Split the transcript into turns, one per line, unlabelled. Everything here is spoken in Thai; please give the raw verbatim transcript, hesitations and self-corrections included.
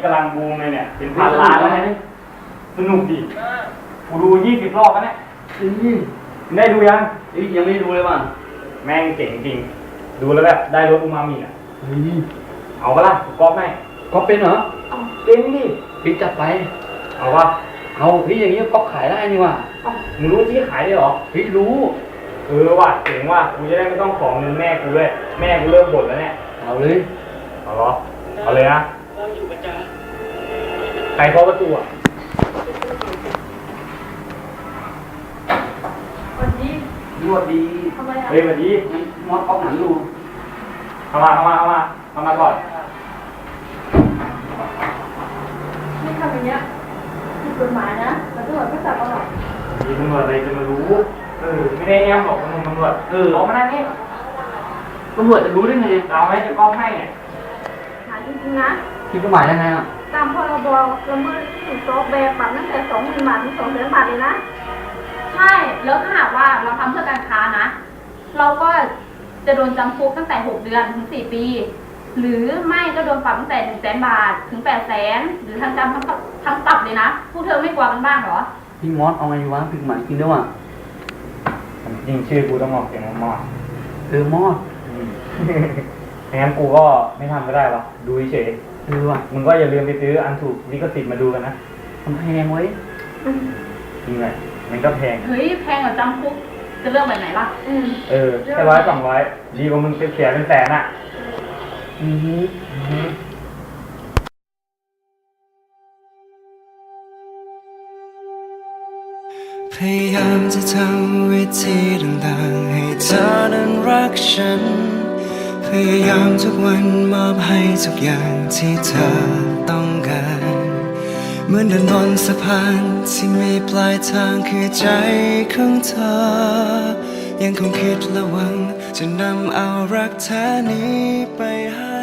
ำลังบูมเลยเนี่ยเป็นพันล้านแล้วนะสนุกดิกูดูยี่สิบรอบแล้วเนี่ยได้ดูยัง
ยังไม่ดูเลยว่ะ
แม่งเจ๋งจริงดูแล้วแบบได้รสอูมามิอ่ะเอาปะล่ะก๊อปไหม
ก๊อปเป็นเหรอ
เป็นดิ
พี่จัดไป
เอาปะ
เอาพี่อย่างนี้ก๊อปขายได้นี่ว่ะ
มึงรู้ที่ขายได้หรอ
พี่รู้
เออว่ะเจ๋งว่ะกูจะได้ไม่ต้องของเงินแม่กูด้วยแม่กูเริ่มบ่นแล้วเนี่ย
เอาเลย
เอาหรอเอาเลยนะใครเคาะประตูอ่ะ
วันนี้
รวดดี
ทำไมอ่ะ
เฮ้ยวันนี้
มอสก๊อปหนังดู
เข้ามาเข้ามาเข้ามาเข้ามาก่อน
ไม่ทำอย่างเงี้ยผิดกฎหมายนะแต่ตำรวจก็จับเอาหรอก
มีตำรวจอะไรจะมารู้เออไม่ได้แอมหรอกมึงตำรวจ
เออ
ออกมาได้นี่
ตำรวจจะรู้ได้ไง
เราไม่จะก้องให้เนี่ย
หาจริงๆนะ
ผิดกฎหมายยังไงอ่ะ
ตามพรบละเมิดสิทธิซอฟต์แวร์ปรับตั้งแต่สองหมื่นบาทถึงสองแสนบาทเลยนะ
ใช่แล้วถ้าหากว่าเราทำเพื่อการค้านะเราก็จะโดนจำคุกตั้งแต่หกเดือนถึงสี่ปีหรือไม่ก็โดนปรับตั้งแต่หนึ่งแสนบาทถึงแปดแสนหรือทั้งจำทั้งทั้งปรับเลยนะพวกเธอไม่กลัวกันบ้างเหรอ
พี่มอสเอาไงวะผิดกฎหมายจริงด้วยว่ะ
จริงชื่อกูต้องออกเสียงมอส
เออมอส
งั้นกูก็ไม่ทำก็ได้วะดูเฉย
เออว่ะ
มึงก็อย่าลืมไปซื้ออันถูกลิขสิทธิ์มาดูกันนะ
มันแพงไว้
จริงไงมันก็แพง
เฮ้ยแพงกว่าจำคุกจะเลือกแบบไหนล่ะ
เออแค่ร้อยสองร้อยดีกว่ามึงเสียเป็นแสนอ่ะ
อือฮึ
พยายามจะทำวิธีต่างๆให้เธอนั้นรักฉันพยายามทุกวันมอบให้ทุกอย่างที่เธอต้องการเหมือนเดินบนสะพานที่มีปลายทางคือใจของเธอยังคงคิดและหวังจะนำเอารักแท้นี้ไปให้